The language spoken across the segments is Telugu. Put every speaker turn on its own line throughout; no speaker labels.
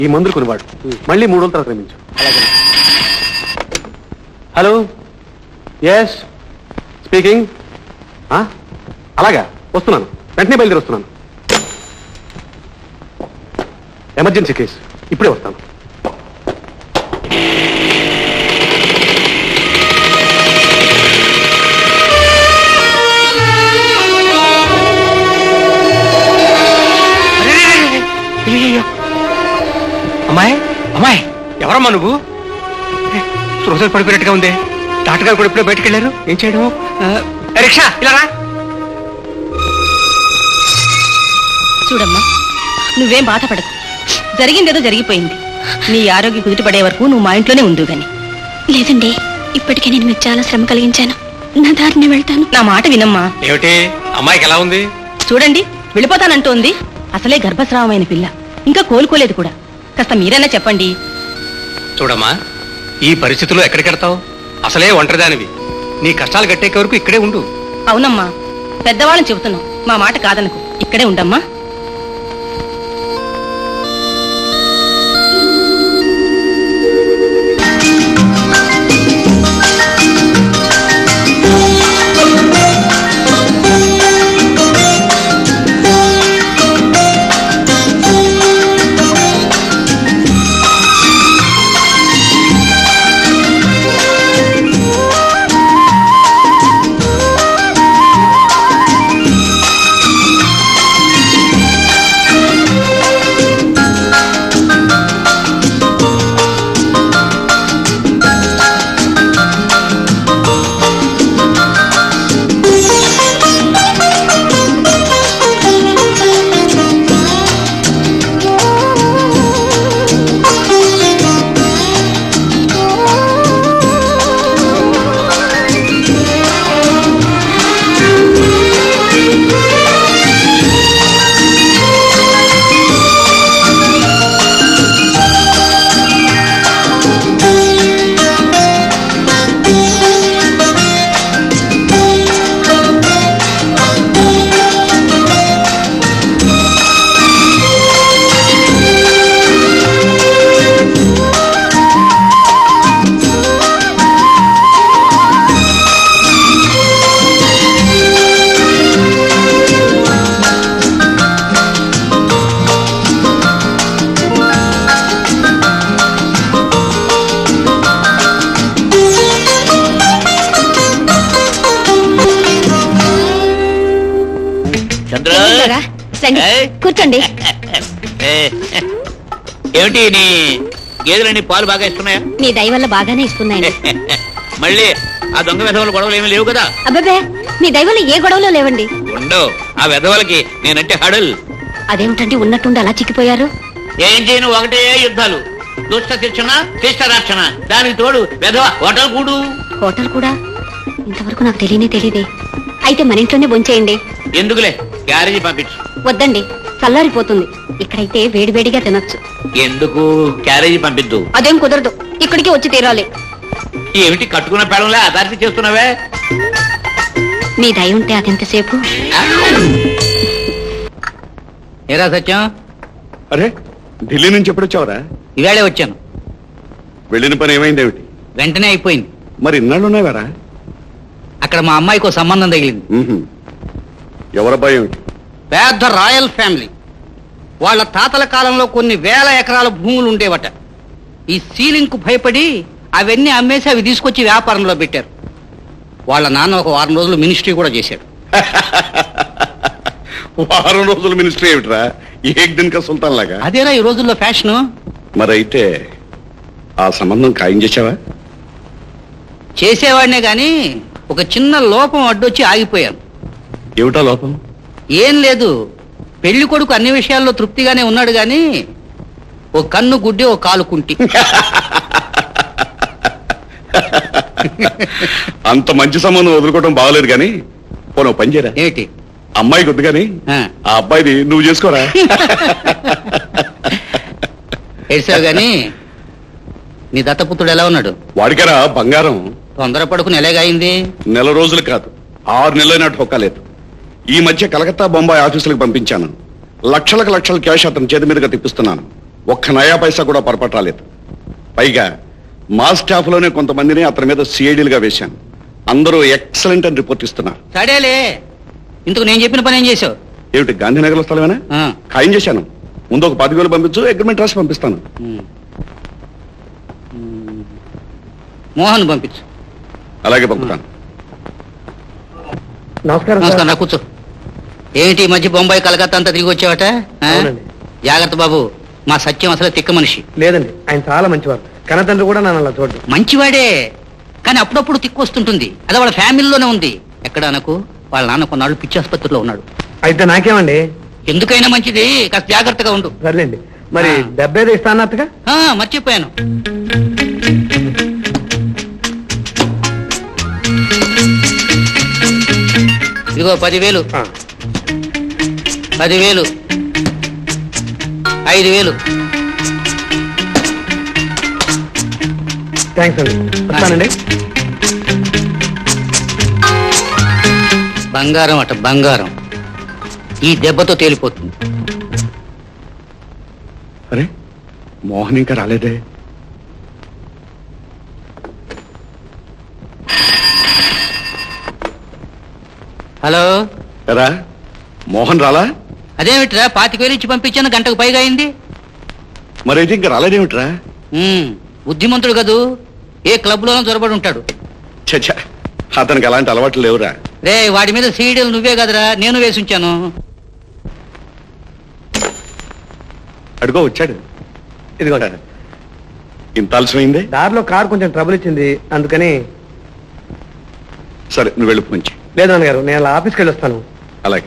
ఈ మందులు కొనివాడు. మళ్ళీ 3 రోజుల తర్వాత రమ్మించు. Hello, yes speaking. అలాగా, వస్తున్నాను, వెంటనే బయలుదేరి వస్తున్నాను. ఎమర్జెన్సీ కేసు, ఇప్పుడే వస్తాను.
అమ్మాయి, అమ్మాయి, ఎవరమ్మా నువ్వు? రోజులు పడిపోయినట్టుగా ఉంది. డాక్టర్ గారు కూడా ఇప్పుడే బయటకు వెళ్ళారు. ఏం చేయడం? రిక్షా ఇలా రా.
చూడమ్మా, నువ్వేం బాధపడకు. జరిగిందేదో జరిగిపోయింది. నీ ఆరోగ్యం కుదుటపడే వరకు నువ్వు మా ఇంట్లోనే ఉండు గాని.
లేదండి, ఇప్పటికే నేను మీకు చాలా శ్రమ కలిగించాను. నా దారిని వెళ్తాను.
నా మాట వినమ్మా.
ఏమిటి, అమ్మాయికి ఎలా ఉంది?
చూడండి, వెళ్ళిపోతానంటోంది. అసలే గర్భస్రావమైన పిల్ల, ఇంకా కోలుకోలేదు కూడా. కాస్త మీరైనా చెప్పండి.
చూడమ్మా, ఈ పరిస్థితుల్లో ఎక్కడికెడతావు? అసలే ఒంటరిదానివి. నీ కష్టాలు గట్టేకే వరకు ఇక్కడే ఉండు.
అవునమ్మా, పెద్దవాళ్ళని చెబుతున్నాం, మా మాట కాదనకు. ఇక్కడే ఉండమ్మా.
కూర్చోండి.
ఏమిటి, నీ గేదెలన్నీ పాలు బాగా ఇస్తున్నాయా?
మీ దయ వల్ల బాగానే ఇస్తున్నాయండి.
మళ్ళీ ఆ దొంగ వెధవల గొడవలు ఏమీ లేవు కదా?
అబ్బాబే, మీ దయ వల్ల ఏ గొడవలో లేవండి.
ఉండవు. ఆ వెధవలకి నేనంటే హడల్.
అదేమిటండి, ఉన్నట్టుండి అలా చిక్కిపోయారు?
ఏం చేయను, ఒకటే యుద్ధాలు. దుష్ట శిక్షణ, శిష్ట రక్షణ, దానికి తోడు వెధవ హోటల్ కూడు.
హోటల్ కూడా? ఇంతవరకు నాకు తెలియదే. అయితే మన ఇంట్లోనే భోంచేయండి.
ఎందుకులే, క్యారేజీ పంపించు.
వద్దండి, చల్లారిపోతుంది. ఇక్కడైతే వేడివేడిగా తినొచ్చు.
ఎందుకు? క్యారేజీ పంపిద్దు.
అదేం కుదరదు, ఇక్కడికి వచ్చి తీరాలి.
ఏమిటి, కట్టుకున్న పెళ్ళంలే అదార్తి చేస్తున్నావే?
మీ దయ ఉంటే అదెంతసేపు.
ఏరా సత్యం?
అరే, ఢిల్లీ నుంచి ఎప్పుడు వచ్చావరా?
ఇవాళే వచ్చాను.
వెళ్ళిన పని ఏమైంది? ఏమిటి?
వెంటనే అయిపోయింది.
మరి ఇన్నాళ్ళు ఉన్నావారా?
అక్కడ మా అమ్మాయికి ఓ సంబంధం తగిలింది.
ఎవరబ్బాయి? ఏమిటి?
పెద్ద రాయల్ ఫ్యామిలీ. వాళ్ళ తాతల కాలంలో కొన్ని వేల ఎకరాల భూములు ఉండేవట. ఈ సీలింగ్ కు భయపడి అవన్నీ అమ్మేసి అవి తీసుకొచ్చి వ్యాపారంలో పెట్టారు. వాళ్ళ నాన్న ఒక 1 రోజులు మినిస్ట్రీ కూడా చేశాడు.
1 రోజుల మినిస్ట్రీ ఏమిట్రా? ఏక్ దిన్ కా సుల్తాన్ లాగా.
అదేనా ఈ రోజుల్లో ఫ్యాషను.
మరి అయితే ఆ సంబంధం ఖాయం చేశావా?
చేసేవాడినే గాని ఒక చిన్న లోపం అడ్డొచ్చి ఆగిపోయాను.
ఏమిటా లోపం?
ఏం లేదు, పెళ్లి కొడుకు అన్ని విషయాల్లో తృప్తిగానే ఉన్నాడు గాని ఓ కన్ను గుడ్డి, ఓ కాలు కుంటి.
అంత మంచి సంబంధం వదులుకోవడం బాగలేదు కానీ పోను పని చేయరా.
ఏంటి?
అమ్మాయి కొద్ది కానీ ఆ అబ్బాయిది నువ్వు చేసుకోరా.
ఏడ్చావు గాని నీ దత్తపుత్రుడు ఎలా ఉన్నాడు?
వాడికరా బంగారం.
తొందరపడుకుని ఎలాగైంది?
1 నెల రోజులు కాదు, 6 నెలలైనా ఠొక్కలేదు. ఈ మధ్య కలకత్తా, బొంబాయి ఆఫీసులకు పంపించాను. లక్షలకు లక్షల క్యాష్ అతని చేతి మీదుగా తిప్పిస్తున్నాను. ఒక్క నయా పైసా కూడా పొరపాటు రాలేదు. పైగా మా స్టాఫ్ లోనే కొంతమందిని అతని మీద సిఐడీలుగా వేశాను. అందరూ ఎక్సలెంట్ అని రిపోర్ట్ ఇస్తున్నారు.
సడేలే, ఇందుకు నేను చెప్పిన పని ఏం చేసావు?
ఏమిటి గాంధీనగర్లో స్థలమేనా? ఖాయం చేశాను. ముందు ఒక 10,000 పంపించు, అగ్రిమెంట్ రాసి పంపిస్తాను.
మోహన్ పంపించు.
అలాగే పంపుతాను.
నమస్కారం, నా కూర్చో. ఏమిటి ఈ మధ్య బొంబాయి కలకత్తా అంతా తిరిగి వచ్చావట? జాగ్రత్త బాబు, మా సత్యం అసలు తిక్క మనిషి.
లేదండి, ఆయన చాలా మంచివారు. కన్నతండ్రి కూడా నన్ను అలా చూడదు.
మంచివాడే, కానీ అప్పుడప్పుడు తిక్కు వస్తుంటుంది. అదే వాళ్ళ ఫ్యామిలీలోనే ఉంది. ఎక్కడ నాకు వాళ్ళ నాన్న కొన్నాళ్ళు పిచ్చి ఆసుపత్రిలో ఉన్నాడు.
అయితే నాకేమండి?
ఎందుకైనా మంచిది, కాస్త జాగ్రత్తగా ఉండు.
సర్లేండి. మరి 75 ఇస్తా అన్నట్టుగా?
మర్చిపోయాను. ఇదిగో 10,000. 10,000. 5,000.
థ్యాంక్స్ అండి. వస్తానండి.
బంగారం అట బంగారం, ఈ దెబ్బతో తేలిపోతుంది.
అరే, మోహన్ ఇంకా రాలేదే.
హలో,
ఎరా మోహన్ రాలా?
అదేమిట్రా 25,000 ఇచ్చి పంపించాను, గంటకు పైగా అయింది.
మరైతే ఇంకా రాలేదేమిట్రా?
బుద్ధిమంతుడు కదూ, ఏ క్లబ్ లోనో జొరబడి ఉంటాడు.
చచ్చా, అతనికి అలాంటి అలవాట్లు లేవురా.
రే, వాడి మీద సీడీలు నువ్వే కదరా, నేను వేసి ఉంచాను.
అడుగో వచ్చాడు.
ఇదిగో.
ఇంత ఆలస్యమైంది.
దారిలో కారు కొంచెం ట్రబుల్ ఇచ్చింది, అందుకని.
సరే, నువ్వు వెళ్ళి మంచి.
లేదు నాన్నగారు, నేను అలా ఆఫీస్కి వెళ్ళి వస్తాను.
అలాగే.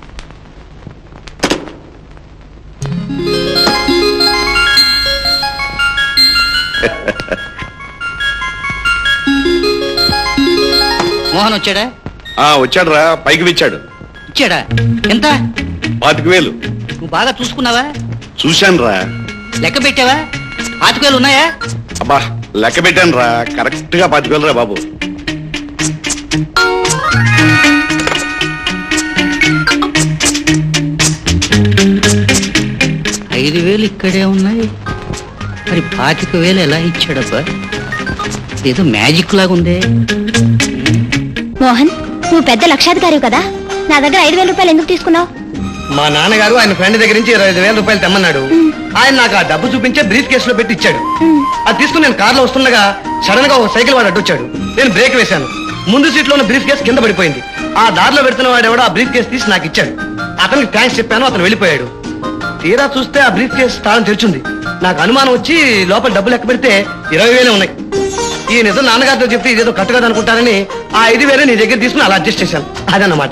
మోహన్ వచ్చాడా?
వచ్చాడు రా, పైకి విచ్చాడు.
ఇచ్చాడా? ఎంత?
25,000.
నువ్వు బాగా చూసుకున్నావా?
చూశాను రా.
లెక్క పెట్టావా? 25,000 ఉన్నాయా?
అబ్బా, లెక్క పెట్టాను రా, కరెక్ట్ గా 25,000 రా బాబు.
ఐదు వేలు ఇక్కడే ఉన్నాయి, మరి 25,000 ఎలా ఇచ్చాడబ్బా? ఏదో మ్యాజిక్ లాగా ఉందే.
మోహన్, నువ్వు పెద్ద లక్షాధికారి కదా, నా దగ్గర 5,000 రూపాయలు ఎందుకు తీసుకున్నావు?
మా నాన్నగారు ఆయన ఫ్రెండ్ దగ్గర నుంచి 25,000 రూపాయలు తెమ్మన్నాడు. ఆయన నాకు ఆ డబ్బు చూపించే బ్రీఫ్ కేసులో పెట్టి ఇచ్చాడు. అది తీసుకుని నేను కార్లో వస్తుండగా సడన్ గా ఒక సైకిల్ వాడు అడ్డొచ్చాడు. నేను బ్రేక్ వేశాను. ముందు సీట్ లో ఉన్న బ్రీఫ్ కేసు కింద పడిపోయింది. ఆ దారిలో పెడుతున్న వాడు ఎవడో ఆ బ్రీఫ్ కేసు తీసి నాకు ఇచ్చాడు. అతనికి థ్యాంక్స్ చెప్పాను, అతను వెళ్ళిపోయాడు. తీరా చూస్తే ఆ బ్రీఫ్ కేసు తాళం తెరిచింది. నాకు అనుమానం వచ్చి లోపల డబ్బులు లెక్క పెడితే 20,000 ఉన్నాయి. ఈ నిజం నాన్నగారితో చెప్తే ఇదేదో కట్టుగా అనుకుంటారని ఆ 5,000 నీ దగ్గర తీసుకుని అలా అడ్జస్ట్ చేశాను. అదన్నమాట.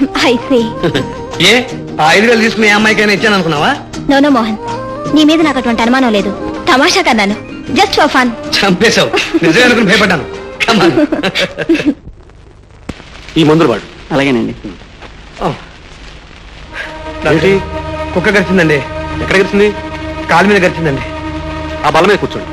ఏ ఆ 5,000 తీసుకుని ఏ అమ్మాయికైనా ఇచ్చాను అనుకున్నావా?
నో మోహన్, నీ మీద నాకు అటువంటి అనుమానం లేదు. తమాషా కన్నాను, జస్ట్ ఫర్ ఫన్.
చంపేశావు. నిజమే అనుకుని భయపడ్డాను.
ఈ మందులు వాడు.
అలాగేనండి.
కుక్క గరిచిందండి.
ఎక్కడ గడిచింది?
కాలు మీద గరిచిందండి.
ఆ బల్ల మీద కూర్చోండి.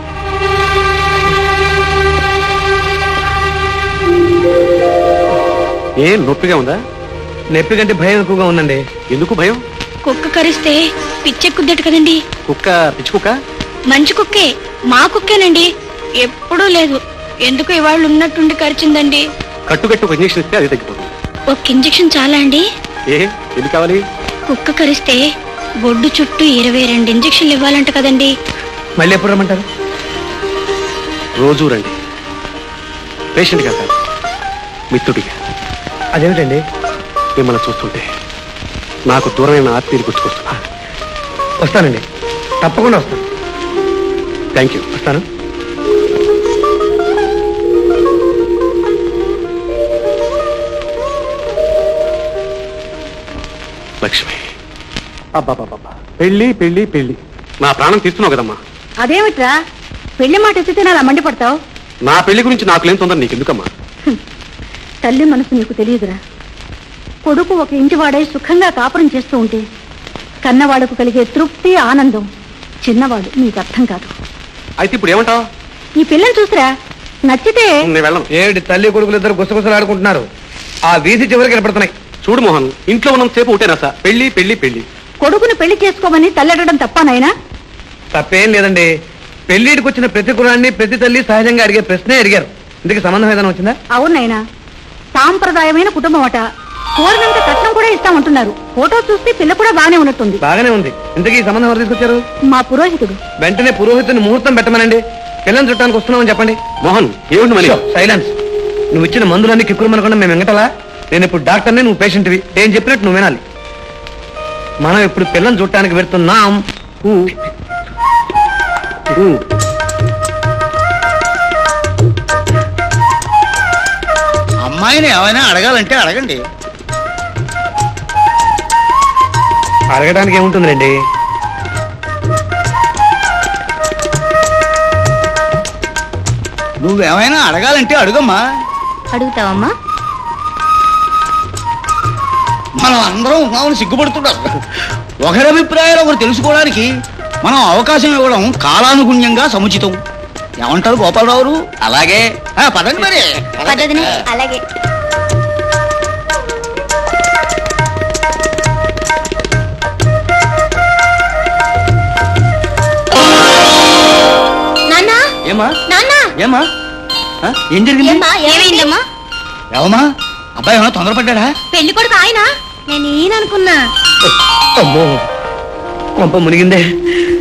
ఏ నొప్పిగా ఉందా?
నొప్పి కంటే భయం ఎక్కువగా ఉందండి.
ఎందుకు భయం?
కుక్క కరిస్తే పిచ్చెక్కుద్దట కదండి.
కుక్క పిచ్చి కుక్క?
మంచి కుక్కే, మా కుక్కేనండి. ఎప్పుడూ లేదు, ఎందుకు ఇవాళ ఉన్నట్టుండి కరిచిందండి.
కట్టుకట్టు ఒక ఇంజక్షన్ ఇస్తే అది తగ్గిపోతుంది.
ఒక ఇంజెక్షన్ చాలా అండి?
ఏ ఎందుకు కావాలి?
కుక్క కరిస్తే బొడ్డు చుట్టూ 22 ఇంజెక్షన్లు ఇవ్వాలంట కదండి.
మళ్ళీ ఎప్పుడు రమ్మంటారు?
రోజు రండి. పేషెంట్ కాదు, మిత్రుడిగా.
అదేమిటండి?
మిమ్మల్ని చూస్తుంటే నాకు దూరమైన ఆత్మీయులు గుర్తుకొస్తున్నా.
వస్తానండి, తప్పకుండా వస్తాను.
Thank you.
వస్తాను.
లక్ష్మి, అబ్బాబాబా, పెళ్లి పెళ్లి పెళ్లి, నా ప్రాణం తీస్తున్నావు కదమ్మా.
అదేమిట్రా పెళ్లి మాట ఎత్తితే అలా మండిపడతావు?
నా పెళ్లి గురించి నాకు లేని తొందర నీకెందుకమ్మా?
తల్లి మనసు నీకు తెలియదురా. కొడుకు ఒక ఇంటివాడై సుఖంగా కాపురం చేస్తూ ఉంటే కన్నవాడుకు కలిగే తృప్తి ఆనందం చిన్నవాడు నీకు అర్థం కాదు.
అయితే ఇప్పుడు ఏమంటావు?
ఈ పిల్లని చూసిరా, నచ్చితే
నేను వెళ్ళను.
ఏమిటి తల్లి కొడుకులు ఇద్దరు గుసగుసలు ఆడుకుంటున్నారు? ఆ వీధి చివరికి కనపడుతున్నాయి.
చూడు మోహన్, ఇంట్లో ఉన్నంత సేపు ఒకటేనా సార్? పెళ్లి పెళ్లి పెళ్లి.
కొడుకుని పెళ్లి చేసుకోమని తల్లెడడం తప్ప నాయనా?
తప్పేం లేదండి. పెళ్లిడికి వచ్చిన ప్రతి కులాన్ని ప్రతి తల్లి సహజంగా అడిగే ప్రశ్నే అడిగారు. ఇందుకు సంబంధం ఏదైనా వచ్చిందా?
అవునైనా సాంప్రదాయమైన కుటుంబం అట. కోరినంత కట్నం కూడా ఇస్తామంటున్నారు. ఫోటో చూస్తే పిల్ల కూడా బాగానే ఉన్నట్టుంది.
బాగానే ఉంది. ఇంతకీ ఈ సంబంధం ఎవరు తీసుకొచ్చారు?
మా పురోహితుడు.
వెంటనే పురోహితుని ముహూర్తం పెట్టమనండి. పిల్లని చుట్టానికి వస్తున్నామని చెప్పండి.
మోహన్ ఏమిటి మరి?
సైలెన్స్. నువ్వు ఇచ్చిన మందులన్నీ కిక్కురుమనకుండా మేము వెంగటలా. నేను ఇప్పుడు డాక్టర్ని, నువ్వు పేషెంట్వి. నేను చెప్పినట్టు నువ్వు వినాలి. మనం ఇప్పుడు పిల్లని చూడటానికి వెళ్తున్నాం.
అమ్మాయిని ఏమైనా అడగాలంటే అడగండి.
అడగడానికి ఏముంటుందండి?
నువ్వేమైనా అడగాలంటే అడుగమ్మా.
అడుగుతావమ్మా?
మనం అందరం ఉన్నామని సిగ్గుపడుతున్నారు. ఒకరి అభిప్రాయాలు ఒకరు తెలుసుకోవడానికి మనం అవకాశం ఇవ్వడం కాలానుగుణ్యంగా సముచితం. ఏమంటారు గోపాలరావు? అలాగే పదండి మరి.
పద్ధతిని అలాగే. నాన్నా,
ఏమా
నాన్నా,
ఏమా ఏం జరిగింది?
ఏమైందమ్మా?
ఏమమ్మా అబ్బాయి ఏమైనా తొందరపడ్డా?
పెళ్లి కొడుకు ఆయన. నేను ఈయన అనుకున్నా.
అమ్మో, కొంప మునిగిందే.